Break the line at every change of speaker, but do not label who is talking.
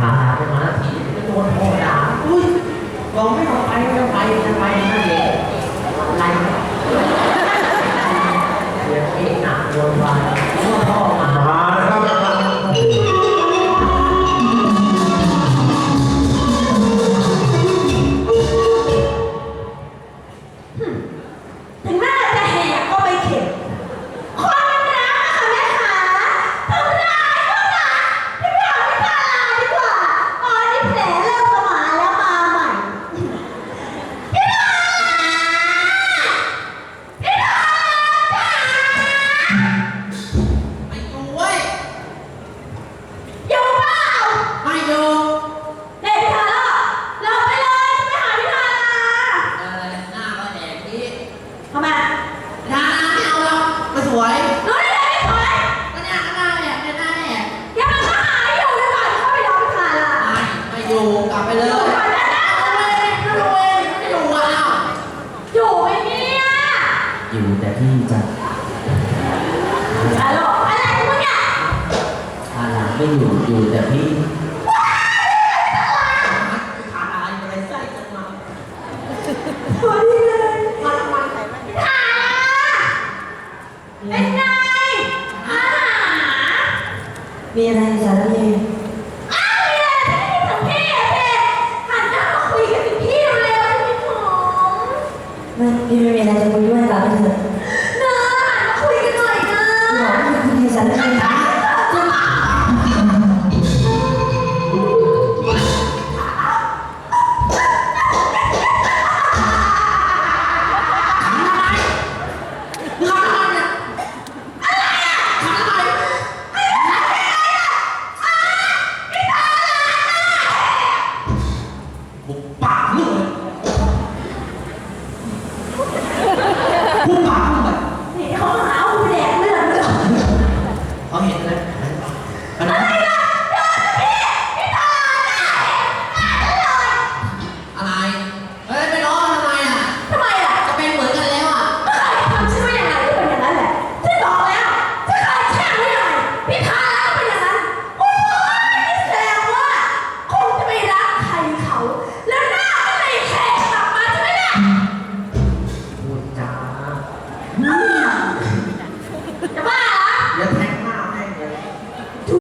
าไปมาทีก็โดนพ่อด่าอุ้ยบอกไม่ต้องไปจะไปนั่นเองอะไรเดี๋ยวเองหนักโดนวายพ่อมา
นะครับ
ถึงหน้าจะแหกก็ไม่เข็ดความรักค่ะแม่ขาทำร้ายก็รักพี่พาลาดีกว่าตอนนี้แผลเริ่มสมานแล้วมาใหม่พี่พาพี่พา
ไม่อยู่เว้ย
อยู่เปล่า
ไม่อยู่
เด็กพี่พาเราไปเลยไปหาพี่พาลา
หน้าก็แดกที่
ทำไม
หน้าไม่เอาหรอกไม่สวย
รู้ได้ไงไม่สวย
ก็เนี่ยหน้าแดกเนี่ยหน้าแดก
อย่ามาหาอยู่ดีกว่าเข้าไปรอพี่พาลา
ไม่อยู่กลับไปเลย
ก่อนนะนะ
ไม่อยู่อ่ะ
อยู่ไหมเนี่ย
อยู่แต่ที่จะ
ฮัลโหลอะไรของมึงเนี่ย
อะไรไม่อยู่แต่พี่ขาดอะไรอะไรใส่จังมา
สวัสดีเลยมาถ่ายเป็นไงอาหาร
มีอะไร